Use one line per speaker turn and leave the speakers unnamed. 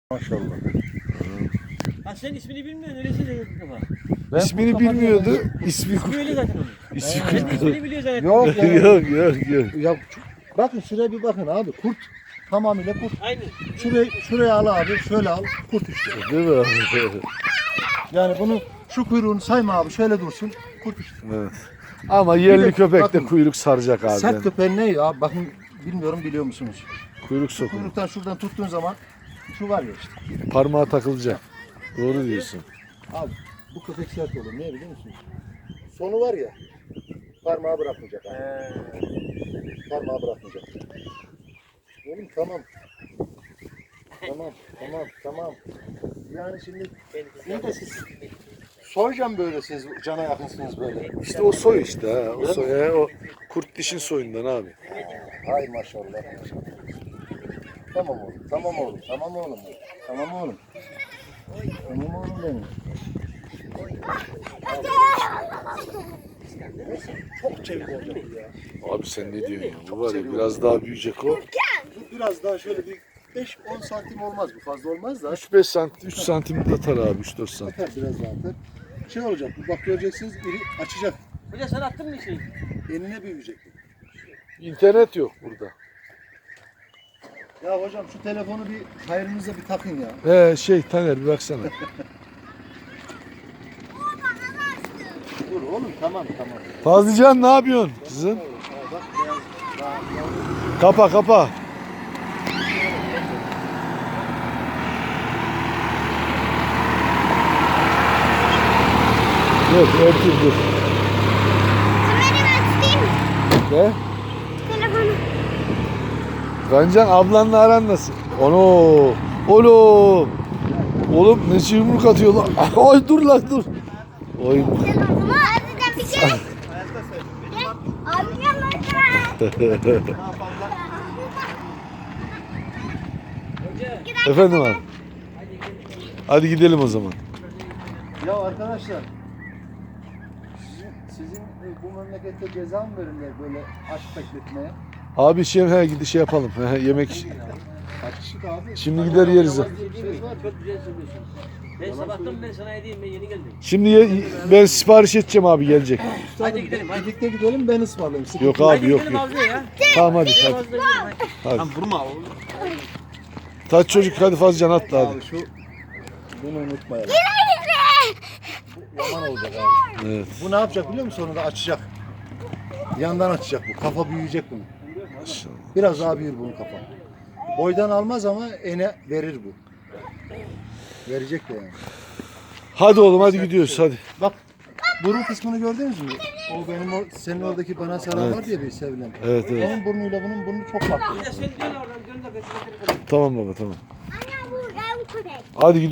Maşallah.
Ha sen ismini bilmiyorsun öylesi de baba.
İsmini bilmiyordu. İsmi
Böyle zaten onun. İsmini biliyor zaten.
Yok ya.
yok.
Ya bakın şuraya bir bakın abi. Kurt. Tamamıyla kurt.
Aynı.
Şuraya al abi. Şöyle al. Kurt işte.
Değil mi abi?
Yani bunu şu kuyruğunu sayma abi. Şöyle dursun. Kurt işte.
Evet. Ama yerli
Bir de
köpek de
bakın,
kuyruk saracak abi.
Sert köpeğin ne ya? Bakın bilmiyorum biliyor musunuz?
Kuyruk sokumu.
Kuyruktan şuradan tuttuğun zaman şu var ya işte.
Parmağa takılacak. Doğru diyorsun.
Abi bu köpek sert olur. Niye biliyor musunuz? Sonu var ya. Parmağı bırakmayacak abi. Parmağı bırakmayacak. Oğlum tamam. Tamam. Yani şimdi ne de siz soyacağım böyle siz cana yakınsınız böyle.
İşte o soy işte ha. O soy. O kurt dişin soyundan abi.
Hay maşallah. Tamam oğlum benim. Tamam oğlum benim. Çok çevik olacak bu ya.
Abi sen ne diyorsun ya? Bu var ya biraz daha büyüyecek o.
Biraz daha şöyle bir 5-10 santim olmaz bu, fazla olmaz da.
3-5 santim, 3 santim de atar abi 3-4 santim.
Atar biraz daha atar. Şey olacak bu, bak göreceksiniz iri açacak.
Hoca sen attın mı şeyi?
Enine büyüyecek bu.
İnternet yok burada.
Ya hocam şu telefonu bir hayrınıza bir takın ya.
Taner bir baksana.
Dur oğlum tamam.
Fazlıcan ne yapıyorsun kızım?
Bak biraz daha
Kapa. Dur örteyim dur.
Kamerayı açayım mı?
Ne?
Telefonu.
Gancan ablanla aran nasıl? Oğlum. Oğlum ne yumruk atıyor lan? Ay dur lan dur. Oy.
Telefonu azıcık bir kere. Gel. Abi yanına.
Efendim abi. Hadi gidelim o zaman.
Ya arkadaşlar sizin bu memlekette ceza mı verirler böyle aşk bekletmeye?
Abi şey yapalım. Yemek.
Açık abi.
Şimdi gider yeriz.
Söz var, çok güzel söylüyorsun. Ben sabahtan beri sana edeyim, ben yeni geldim.
Şimdi ben sipariş edeceğim abi gelecek.
Hadi gidelim, hadi.
Birlikte gidelim ben ısmarlayayım. Sıkıntı
Yok
yok.
abi
Hadi
yok.
gidelim Avcı'ya ya.
Tamam hadi.
Avcı'ya gidelim, hadi.
Hadi.
Lan vurma oğlum.
Taç çocuk hadi Fazlıcan atla hadi.
Abi şu bunu unutmayalım. Bu yaman olacak abi.
Evet.
Bu ne yapacak biliyor musun? Sonunda açacak. Yandan açacak bu. Kafa büyüyecek bunun. Biraz daha büyür bunun kafa. Boydan almaz ama ene verir bu. Verecek de yani.
Hadi oğlum hadi gidiyoruz hadi.
Bak burun kısmını gördünüz mü? O benim senin oradaki bana saran var diye bir sevilen.
Evet.
Onun burnuyla bunun burnu çok farklı.
Ya sen dön oradan, dön de ben seni
Tamam baba tamam.
Anne bu köpek.
Hadi gidiyoruz.